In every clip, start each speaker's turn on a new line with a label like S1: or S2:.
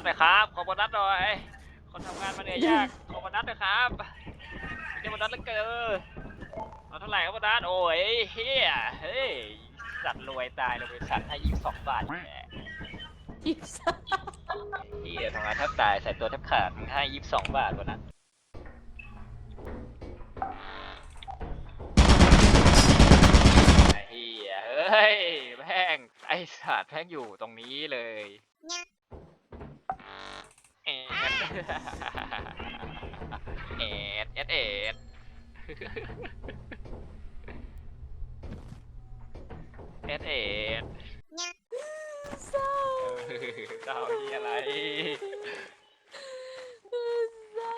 S1: หน่อยครับขอโบนัสหน่อยคนทำงานมาเหนื่อยยากขอโบนัสหน่อยครับเดี๋ยวโบนัสแล้วเกินเอาเท่าไหร่ครับโบนัสโอ้ยเฮียเฮ้ยสัตว์รวยตายเลยบริษัทให้22 บาทแหม
S2: 22
S1: เฮียทำงานแทบตายใส่ตัวแทบขาดมึงให้22 บาทโบนัสไอ้เฮียเฮ้ยแม่งไอ้สัตว์แม่งอยู่ตรงนี้เลยเอ็ดเอ็ดเอ็ดเอ็ดเอ็ดเอ็ด
S2: เศร้า
S1: เจ้าที่อะไร
S2: เศร้า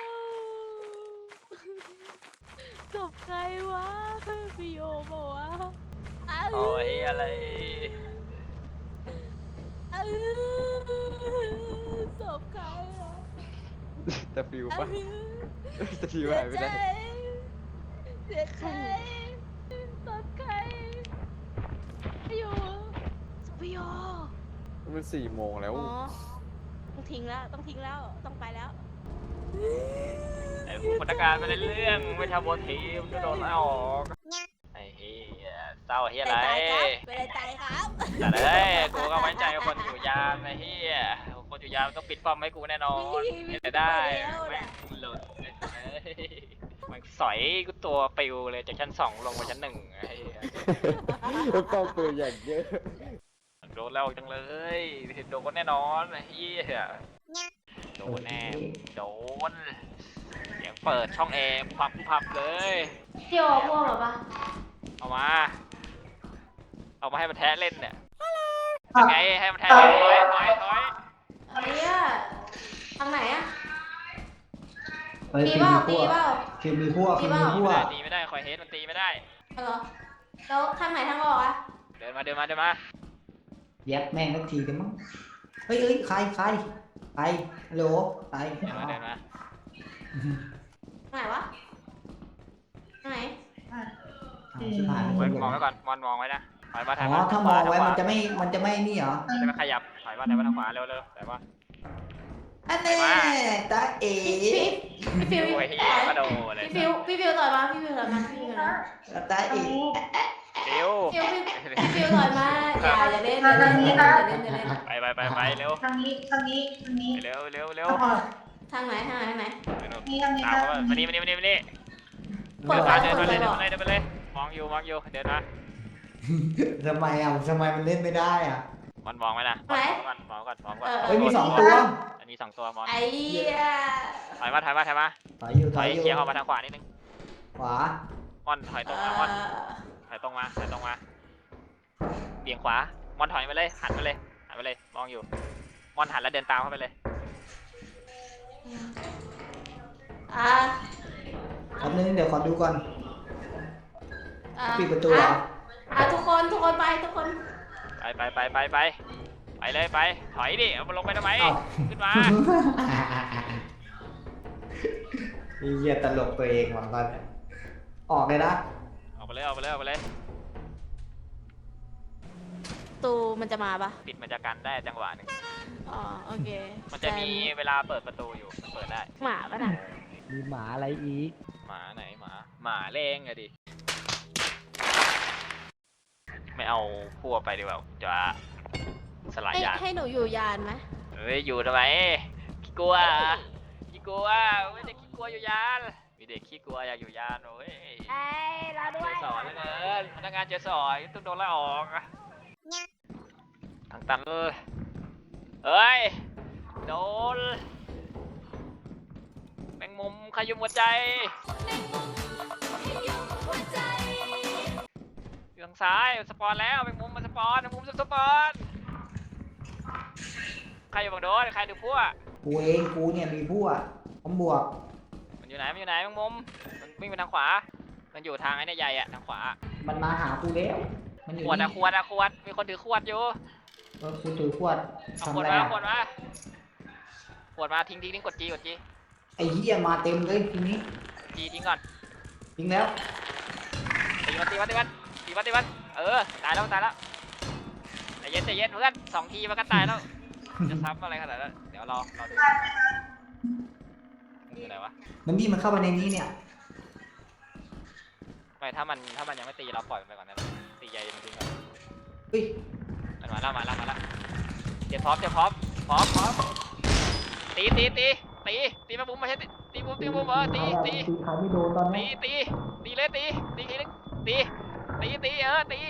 S2: จบใครวะพี่โยบอกว่า
S1: โอ้ยอะไร
S2: จบใครอ่ะ
S3: จะฟิวปะจะฟิวหายไปได้
S2: เสียใจจบใครพี่โยพี่โย
S3: มัน4 โมงแล้ว
S2: อ๋อต้องทิ้งแล้วต้องทิ้งแล้วต้องไปแล้ว
S1: ไอ้ผู้พนักงานไม่ได้เรื่องไม่ทำโอทีมก็โดนไล่ออกไอ้เฮียเศร้าเฮียอะไร
S2: ไปเลยตายครับ
S1: แต่เลยกูก็ไว้ใจคนอยู่ยามไอ้เฮียคนอยู่ยามต้องปิดป้อมให้กูแน่นอนเห็นได้แม่งหลุดมันสอยกูตัวปิวเลยจากชั้น 2ลงมาชั้น 1ไอ้เหี้ย
S3: แล้วเป้าปืนอย่างเยอะ
S1: โดนแล้วจังเลยโดนแน่นอนไอ้เฮียโดนแน่โดนเสียงเปิดช่องแอร์พับเลย
S2: เที่ยวพ่วงหรอปะ
S1: เอามาให้มันแท้เล่นเนี่ยยังไงให้มันแท้เล่นถอย
S2: อะไรอ่ะทางไหนอ่ะ
S4: เฮ้ย
S2: ตี
S4: ทีม
S2: เปล่า
S4: มี
S2: ตี
S4: พวก
S2: เปล่า
S4: ทีมมีพวก
S2: ตี
S4: ทีม
S2: เปล่า
S4: มีพวก
S1: ตีไม่ได้คอยเฮดมันตีไม่ได้
S2: เหรอแล้วทางไหนทางออกอ่ะ
S1: เดินมา
S4: แยบแม่งสักทีกันมั้งเฮ้ยใครฮัลโหลใคร
S1: เดินมา
S2: ทางไหนวะทางไหน
S4: ชิบหาย
S1: มองไว้ก่อนมองไว้นะถอยมาถ
S4: อ๋
S1: อย
S4: อ
S1: มา
S4: ถ้ามองไว้มันจะไม่นี่เหรอ
S1: จะไม่ขยับถอยมาถอยมาทางขวาเร็วถอยมา
S4: อันนี้ตาเอ๋
S2: พี่ฟิว
S1: โอ้ยเฮียกระโดดเลย
S2: พี่ฟิวต่อยมาพี่ฟิวต่อยมาพี่ฟิวนะ
S4: ตาเอ๋
S1: เร็ว
S2: พี่ฟิวต่อยมาอย่าเล่นอย่าเล่น
S1: ไปเร็ว
S5: ทางนี้
S1: เร็ว
S2: ทางไหน
S1: ตามมานี่เดินไปเลยมองอยู่เดินมา
S4: ทำไมมันเล่นไม่ได้อ่ะ
S1: มองไว้นะมองก่อน
S4: เฮ้ยมี2 ตัว
S1: อันนี้2 ตัวมอง
S2: ไอ้เหี้ย
S1: ถอยมา
S4: ถอยอยู่
S1: เคลียร์ออกมาทางขวานิดนึง
S4: ขวา
S1: ม่อนถอยตรงมาม่อนถอยตรงมาเบี่ยงขวาม่อนถอยไปเลยหันไปเลยมองอยู่ม่อนหันแล้วเดินตามเข้าไปเลย
S4: แป๊บนึงเดี๋ยวขอดูก่อนปิดประตูเหรอ
S2: ทุกคนไปทุกคน
S1: ไปเลยถอยดิเอาลงไปทำไมขึ้นมา
S4: เหี้ยตลกตัวเองว่ะก่อนออกเลยนะ
S1: ออกไปเลย
S2: ตูมันจะมาปะ
S1: ปิดมันจะกันได้จังหวะหนึ่ง
S2: อ๋อโอเค
S1: มันจะมีเวลาเปิดประตูอยู่เปิดได้
S2: หมาปะน่ะ
S3: มีหมาอะไรอีก
S1: หมาไหนหมาเล้งอะดิไม่เอาพวกไปดีกว่าจะสลายยาน
S2: ให้หนูอยู่ยานไหม
S1: เฮ้ยอยู่ทำไมขี้กลัวไม่ได้ขี้กลัวอยู่ยานมีเด็กขี้กลัวอยากอยู่ยานโอ้ย
S2: ไอ้เราด้
S1: เจ
S2: วย
S1: อสอนแล้วเกินพนักงานเจอสอนต้องโดนไล่ออกทางตันเฮ้ยโดนแมงมุมขยุมหัวใจอยู่ทางซ้ายสปอนแล้วแมงมุมมันสปอนสปอนใครอยู่บังโดนใครดูพวก
S4: กูเนี่ยมีพวกผมบวก
S1: มันอยู่ไหนแมงมุมมันวิ่งไปทางขวามันอยู่ทางไอ้เนี่ยใหญ่อะทางขวา
S4: มันมาหากูแล้วมันอยู่
S1: ขวด
S4: นี่
S1: มีคนถือขวดอยู่
S4: กูถือขวด
S1: เอา
S4: ทำ
S1: ขวด
S4: อะไร
S1: มา
S4: อะ
S1: ขวดมาทิ้งกดจี
S4: ไอ้เหี้ยมาเต็มเลยทีนี้
S1: จีทิ้งก่อน
S4: จริงแล้ว
S1: ตีมันตายแล้วใจเย็นเพื่อน2 ทีมันก็ตายแล้วจะซ้ำอะไรขนาดนั้นเดี๋ยวรอดูมึงอยู่ไหนวะ
S4: มันนี่มันเข้ามาในนี้เนี่ย
S1: ไม่ถ้ามันยังไม่ตีเราปล่อยมันไปก่อนนะตีใหญ่มันทิ้งก่อน
S4: เฮ้ย
S1: มันมาแล้วเดี๋ยวพร้อมตีมาบุ้มมาใช่ตีบุ้มตี
S4: ขาไม่โดนตอนนี้
S1: ตีเลยตีทีนึงตีตีมันตี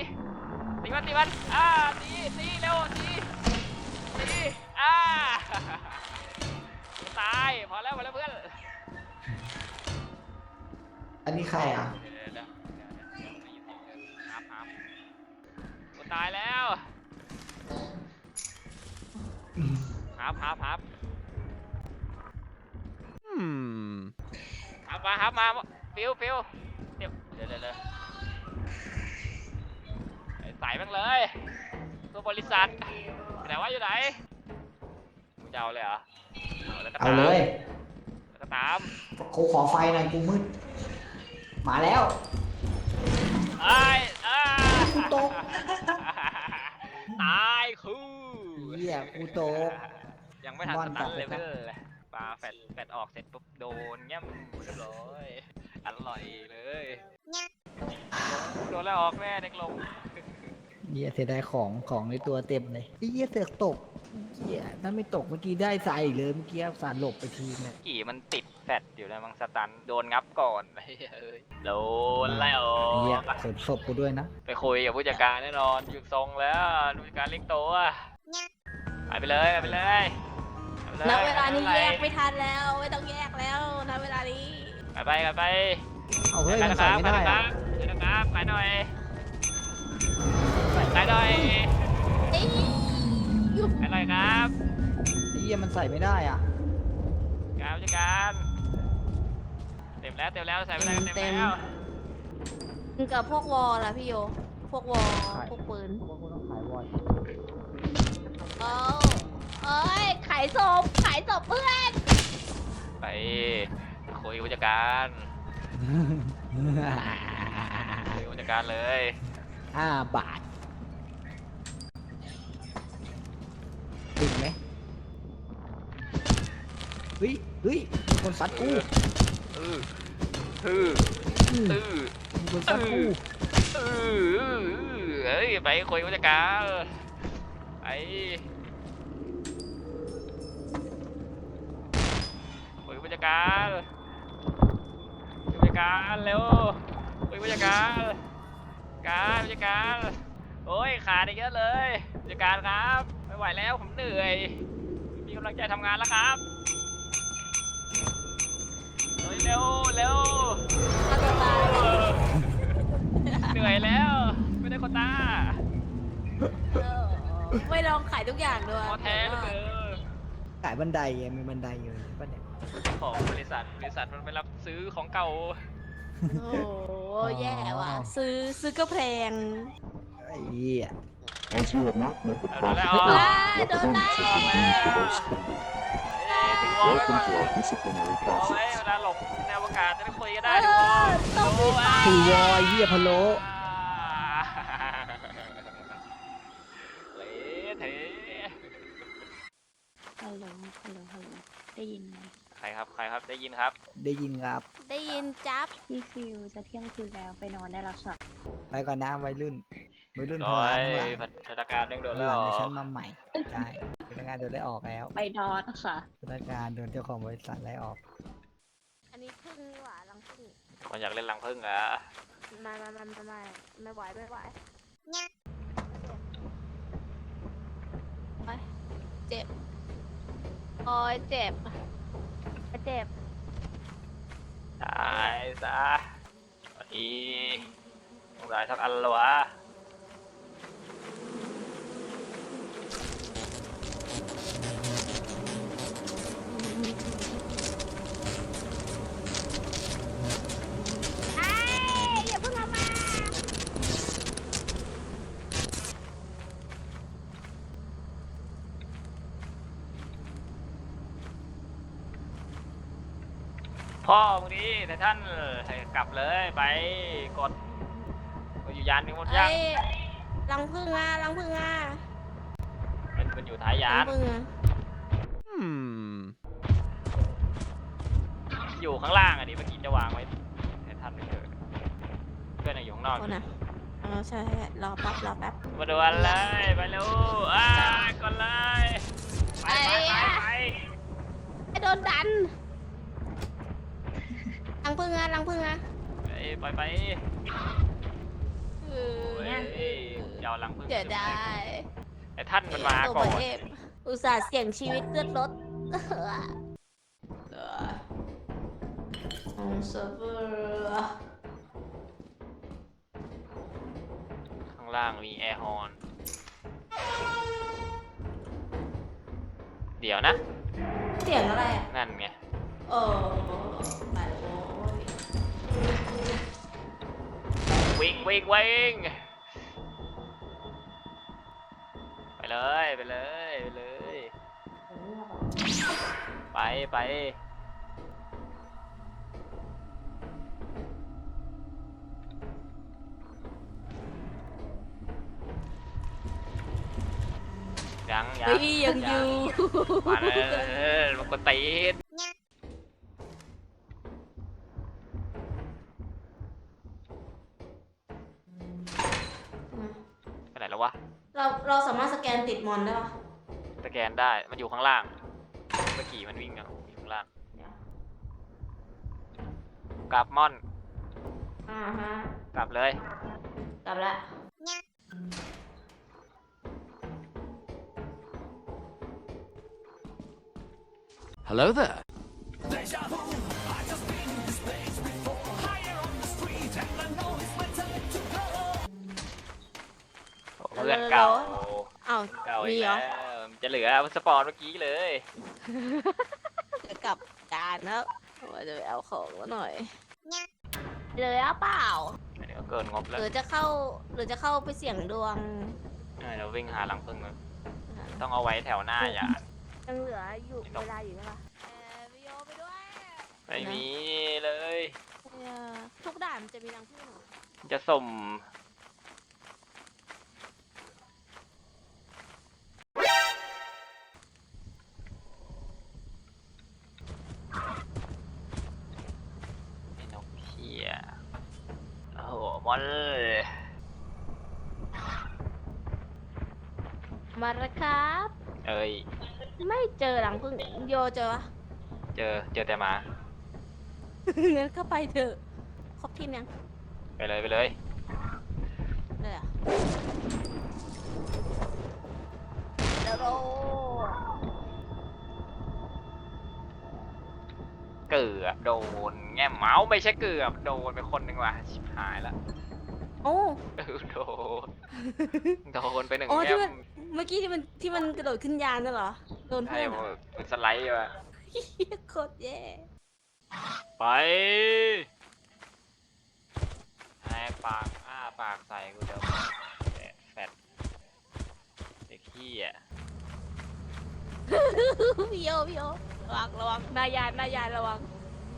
S1: เร็วตีตายพอแล้วเพื่อน
S4: อันนี้ใครอ่ะ
S1: เดี๋ยวครับกูตายแล้วครับฮับมาฟิวเดี๋ยวใส่แม่งเลยตัวบริษัทไหนว่าอยู่ไหนมึงจะเอาเลยเหรอ
S4: เอาเลย
S1: แล้วก็ตาม
S4: กูขอไฟหน่อยกูมืดมาแล้ว กูตก
S1: ตายคู่
S4: เหี้ยกูตก
S1: ยังไม่ทันสตันเลยเพื่อนปลาแฟดออกเสร็จปุ๊บโดนเงี้ยเรียบร้อยอร่อยเลยโดนแล้วออกแม่เด็กลง
S5: เหี้ยเสียดายของในตัวเต็มเลยไอ้เหี้ยเสือกตกเหี้ยถ้าไม่ตกเมื่อกี้ได้ใส่เลยเมื่อกี้สารหลบไปทีเนี่ย
S1: กี่มันติดแฟดอยู่นะมังสตันโดนงับก่อนเฮ้ยโดนแล้ว
S5: ไอ้เหี้ยขนศพกูด้วยนะ
S1: ไปคุยกับผู้จัดการแน่นอนหยุดทรงแล้วผู้จัดการเรียกตัวไปเลย
S2: ณเวลานี้แยกไม่ทันแล้วไม่ต้องแยกแล้วณเวลานี้
S1: ไป
S5: เอาเฮ้ยมันใส่ไม่ได้อะ
S1: นะครับไปหน่อย
S2: เอ้ย
S1: ไปหน่อยครับ
S5: ไอ้เหี้ยมันใส่ไม่ได้อ่ะ
S1: การผู้จัดการเต็มแล้วใส่ไปเลยเต็มแล้ว
S2: กับพวกวอลล่ะพี่โยพวกวอลพวกปืน
S5: ว่ากูต้องขายวอย
S2: เอ้ยขายศพเพื่อน
S1: ไปคุยกับผู้จัดการเลย
S5: 5 บาทถึงไหมเฮ้ยมีคนซัดกูมีคนซัดกู
S1: เฮ้ยไปคุยกับผู้จัดการไปคุยกับผู้จัดการเร็วคุยกับผู้จัดการผู้จัดการโอ้ยขาดอีกเยอะเลยผู้จัดการครับไม่ไหวแล้วผมเหนื่อยมีกำลังใจทำงานแล้วครับเร็ว
S2: มาตัวตาย
S1: เหนื่อยแล้วไม่ได้โควต้า
S2: ไม่ลองขายทุกอย่างด้วย
S1: พอแท้เหลย
S5: ขายบันไดไงมีบันไดอยู่ป่ะเนี่ย
S1: ของบริษัทมันไปรับซื้อของเก่า
S2: โอ้โหแย่ว่ะซื้อก็แพง
S5: ไอ้เหี้ย
S6: As you have not met the
S1: โดนแล้ว
S6: profit
S2: โดนแล้ว
S1: ถึงวอลไว้ก่อน
S6: welcome to our disciplinary
S1: วอลไว้
S6: process.
S1: เวลาหลบในอวกาศจะได้คุยกันได้ทุกคน
S2: ต้องมีไฟ
S5: ถือวอยเหี้ยพะโล้
S1: เละเทะ
S2: ฮัลโหลได้ยินไหม
S1: ใครครับได้ยินครับ
S5: ได้ยินครับ
S2: ได้ยินจับ
S7: พี่ฟิวจะเที่ยงคืนแล้วไปนอนได้แล้วค่ะ
S5: ไปก่อนนะวัยรุ่นพ
S1: โด
S5: อร้าย ทั้งหลาย
S1: พัฒนาการเร่งด่วน
S5: ห
S1: แล้ว
S5: ลังในชั้นมาใหม่ใช่พนักงานโดนไล่ออกแล้ว
S7: ไปนอนค่ะ
S5: พนักงานโดนเจ้าของบริษัทไล่ออก
S2: อันนี้พึ่งนี่หว่ารังพึ่ง
S1: คนอยากเล่นรังผึ้งเหรอ
S2: ไม่ไหวเจ็บโอ้ยเจ็บ
S1: ตายซะอีต้องได้สักอันละวะ
S2: อย่าเพิ่งเอามา
S1: พ่อมึงดีแต่ท่านให้กลับเลยไปกดอยู่ยานมีหมดยัง
S2: รังพึ่งอ่ะ
S1: มันอยู่ท้ายยา
S2: รั
S1: น
S2: งพึ่งอ่ะ
S1: อยู่ข้างล่างอันนี้เมื่อกี้จะวางไว้ให้ทันไม่เกิดเพื่อนยังอยู่ข้างนอก
S2: โอ้นะใช่รอแป๊บรอแป๊บ
S1: มาดูกันเลยไปเร็วก่อนเลยไป
S2: ไอ้โดนดันลังพึ่งอะลังพึ่งอะ
S1: ไปยาวหลังพึ่ง
S2: เดี๋ยวได้
S1: ไอ้ท่านมันมาก่อน
S2: อุตส่าห์เสี่ยงชีวิตเลือดรถเซิร์ฟเวอร์
S1: ข้างล่างมีแอร์ฮอร์นเดี๋ยวนะ
S2: เสียงอะไรอ่ะ
S1: นั่นไง
S2: ไปโอ้ย
S1: วิ่งไปเลยไปยัง
S2: เฮ้ยยังอยู่
S1: มาเลยมันก็ตีนไปไหนแล้ววะ
S2: เราสามารถสแกนติดมอนได้ปะ
S1: สแกนได้มันอยู่ข้างล่างเมื่อกี้มันวิ่งอยู่ข้างล่างกลับม่อน
S2: ฮะ
S1: กลับเลย
S2: กลับละ
S3: Hello there
S1: เพื่อนเก่า
S2: อ้าว
S1: เก่า
S2: มี
S1: อีก
S2: เหร
S1: แล้
S2: อ
S1: วจะเหลือสปอร์ตเมื่อกี้เลย
S2: จะกลับการแล้วว่าจะไปเอาของแล้วหน่อยเลยเปล่า
S1: เดี๋ยวเกินงบ
S2: ห
S1: แล้ว
S2: รือจะเข้าไปเสี่ยงดวง
S1: เราวิ่งหาหลังพึ่งเลยต้องเอาไว้แถวหน้าอย่า
S2: ยังเหลืออยู่
S1: ไม่ต้อง
S2: เวลาอยู่ใช่ปะวิโอไปด้วย
S1: ไม่มีเลย
S2: ทุกด่านมันจะมีรังผึ้งเหรอ
S1: จะสุ่มไอ้นกเหี้ยโอ้โหมอนเลย
S2: มาแล้วครับ
S1: เอ้ย
S2: ไม่เจอรังผึ้งโยเจอปะ
S1: เจอแต่หมา
S2: งั้นก็ไปเถอะครบทีมยัง
S1: ไปเลย
S2: เลยอ่ะเดี๋ยวโร
S1: เกือบโดนแง่เมาส์ไม่ใช่เกือบโดนไปคนหนึ่งว่ะชิบหายละ
S2: โอ้
S1: โดนไปหนึ่ง
S2: อ๋อ
S1: แง่
S2: ที่มันเมื่อกี้ที่มันกระโดดขึ้นยานน่ะเหรอโดน
S1: ใช่
S2: เพื่อนเหรอ
S1: มันสไลด์ว่ะ
S2: เหี้ยโคตรแย่
S1: ไปแหกปากปากใส่กูเดี๋ยวแฟดเด็กขี้อ่ะ
S2: พี่โยระวังนายานระวัง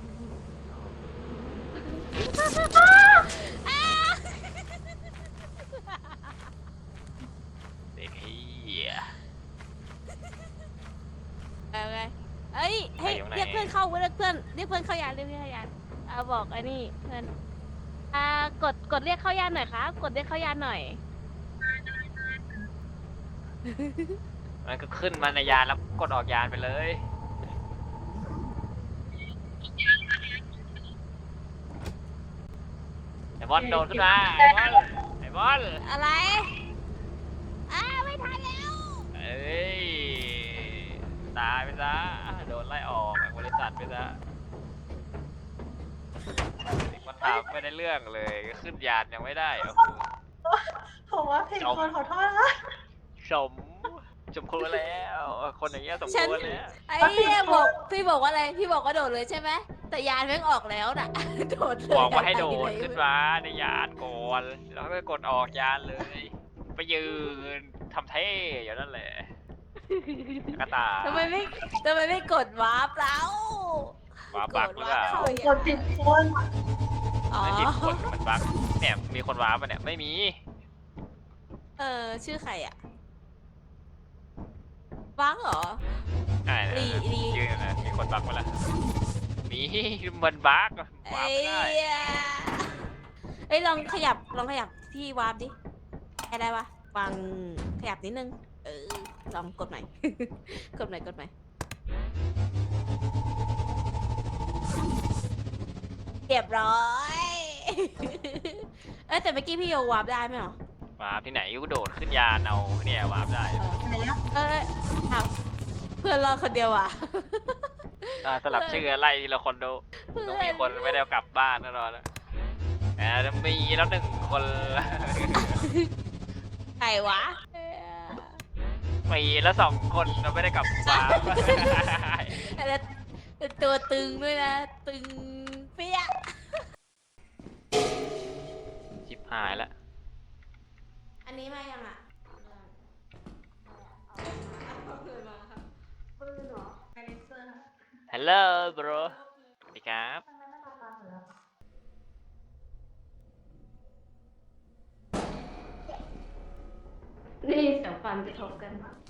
S1: เด็กขี้อ่ะ
S2: เอาไงเอ้ยให้
S1: ไปอยู่ไหน
S2: เรียกเพื่อนเข้าเรียกเพื่อนเข้ายานบอกไอ้นี่เพื่อนกดเรียกเข้ายานหน่อยครับกดเรียกเข้ายานหน่อย
S1: มันก็ขึ้นมาในยานแล้วกดออกยานไปเลยไอ้บอลโดนขึ้นมาไอ้บอล
S2: อะไรไม่ทันแล้ว
S1: เอ้ยตายไปซะโดนไล่ออกจากบริษัทไปซะเด็กมันถามไม่ได้เรื่องเลยขึ้นยานยังไม่ได้โอ้โห
S8: ผมว่าเพลงคนขอโทษนะ
S1: สมควรแล้ว คนอย่างเงี้ยสมควรแล้ว
S2: ไอ้เนี่ยพี่บอกว่าอะไรพี่บอกว่าโดดเลยใช่ไหมแต่ยานแม่งออกแล้วน่ะ โดดเลย
S1: บอกว่าให้โดดขึ้นมาในยานก่อนแล้วก็กดออกยานเลย ไปยืนทำเท่อย่างนั้นแหละกระตาย
S2: ทำไมไม่กดวาร์ปแล้ว
S1: วาร์ปบักหรือเปล่า
S8: ผมกดผิดคน
S2: อ๋อ
S1: ไม่ผิดคนมันบักเนี่ยมีคนวาร์ปปะเนี่ยไม่มี
S2: ชื่อใครอ่ะวังเหรอ
S1: ใช่นะ
S2: ลี
S1: ยืนนะมีคนบักมาละมีมันบักวาร์ปไม่ได้
S2: เอ้ยลองขยับที่วาร์ปดิได้ปะวางขยับนิดนึงลองกดใหม่ กดใหม่เรียบร้อย แต่เมื่อกี้พี่โยวาร์ปได้ไหมหรอ
S1: วาร์ปที่ไหนกูโดดขึ้นยานเอาเนี่ยวาร์ปได้
S2: เอาเพื่อนรอดคนเดียวอ่ะ
S1: สลับชื่อไล่ทีละคนดูต้องมีคนไม่ได้เอากลับบ้านแน่นอนนะจะมีแล้วหนึ่งคน
S2: ใครวะ
S1: มีแล้วสองคนเราไม่ได้กลับบ้าน
S2: แล้วตัวตึงด้วยนะ ตึงเปี้ย
S1: ชิบหายแล้ว
S2: อันนี้มายังอ่ะปืนเหรอ
S8: ไอเลเซอร์
S1: ฮัลโหลบรสวัสดีครับ
S2: นี่เสียงฟันกระทบกัน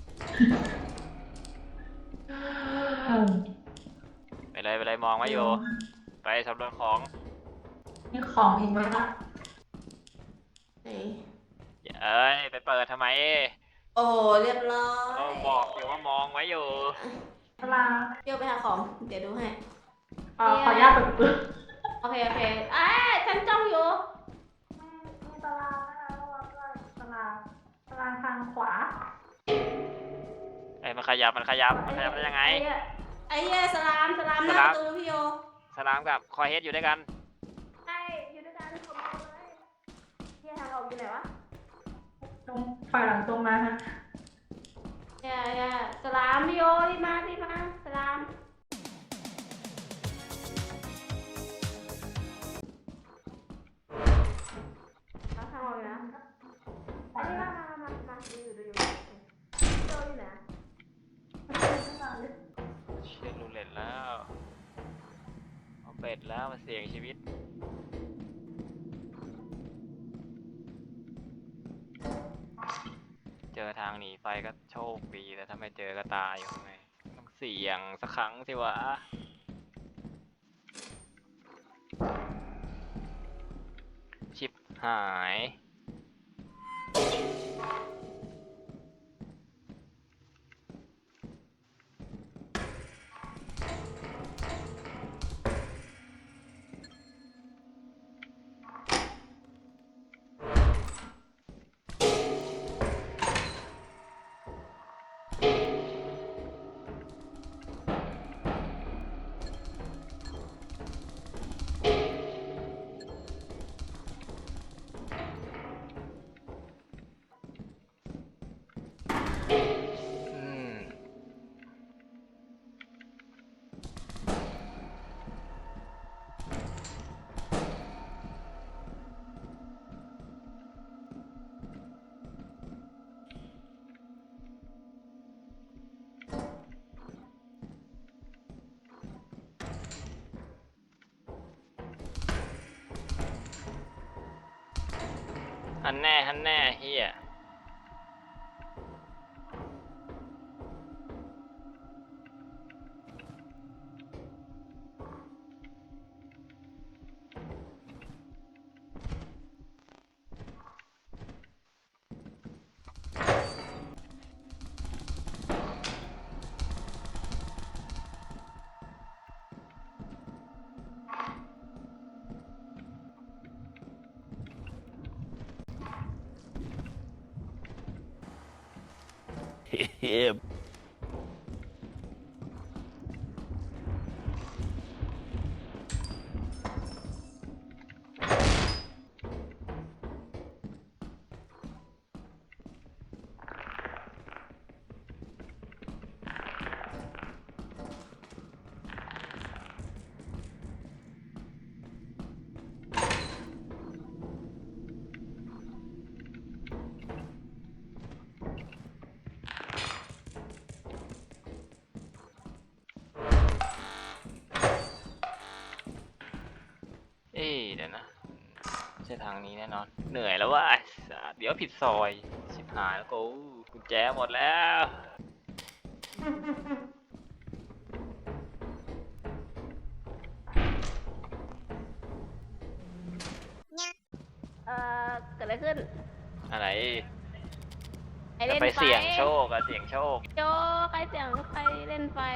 S1: ไปเลยมองไว้อยู่ ไปสำรวจของ
S8: นี่ของอีกไหมล่ะ
S2: ไหน
S1: เอ้ยไปเปิดทำไม
S2: โอ้เรียบร้อ
S1: ก็
S2: ย
S1: บอกอยู่ว่ามองไว้อยู่
S8: เวลา
S2: เดี๋ยวไปหาของ เดี๋ยวดูให้
S8: ขออนุญาตเปิดปืน
S2: โอเคฉันจ้องอยู่
S8: มีตารางนะคะระวังด้วยตารางทางขวา
S1: ไอ้ยมันขยับได้ยังไง
S2: ไอ้เหี้ยสลามห
S1: ส
S2: น้า
S1: ลาม
S2: ประตูพี่โย
S1: สลามกับคอยเฮดอยู่ด้วยกัน
S2: ใช่อยู่ด้วยกันผมเอาเลยเหี้ยทางออกอยู่ไหนวะ
S8: ตรงฝ่ายหลังตรงมาฮะ
S2: สลามพี่โยรีบมาสลามเอาทางออกอยู่นะอันนี้มาดูอยู่โยอยู่ไหน
S1: เช็ครูเล็ตแล้วเอาเป็ดแล้วมาเสี่ยงชีวิต เจอทางหนีไฟก็โชคดีแต่ถ้าไม่เจอก็ตายอยู่ข้างในต้องเสี่ยงสักครั้งสิวะชิปหาย อืม ฮันแน่เฮียเดี๋ยวนะไม่ใช่ทางนี้แน่นอน เหนื่อยแล้วว่ะไอ้สัสเดี๋ยวผิดซอย ชิบหายแล้วกูกุญแจหมดแล้ว
S2: อะไรขึ้น
S1: อะไร
S2: ใคร
S1: จะ
S2: เล่น
S1: ไป
S2: ไฟ
S1: เสี่ยงโชคอะเสี่ยงโชค
S2: โจใครเสียงใครเล่นไฟ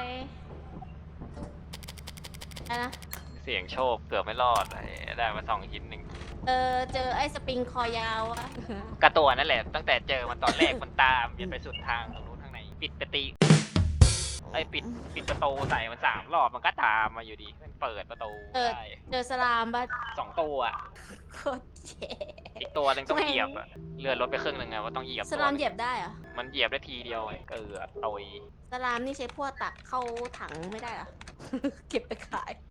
S2: อะไรนะ
S1: เสี่ยงโชคเกือบไม่รอดไอ้ได้มา2 ชิ้นหนึ่ง
S2: เจอไอ้สปริงคอยาวอะ
S1: กระตัวนั่นแหละ ตั้งแต่เจอมันตอนแรกมันตามยันไปสุดทางตรงนู้นทางไหนปิดประตูไอ้ปิดประตูใส่มัน3 รอบมันก็ตามมาอยู่ดีมันเปิดประตูได้
S2: เจอสลามปะ
S1: 2 ตัวอะ
S2: โคตรเจ๋
S1: อีกตัวหนึงต้องเหยียบอะเลื่อนรถไปครึ่งหนึงไงว่าต้องเหยียบ
S2: สลาม
S1: ตัวหนึ่ง
S2: เหยียบได้เหรอ
S1: มันเหยียบได้ทีเดียวไงเกลือตุย
S2: สลามนี่ใช้พวกตักเข้าถังไม่ได้เหรอ เก็บไปขาย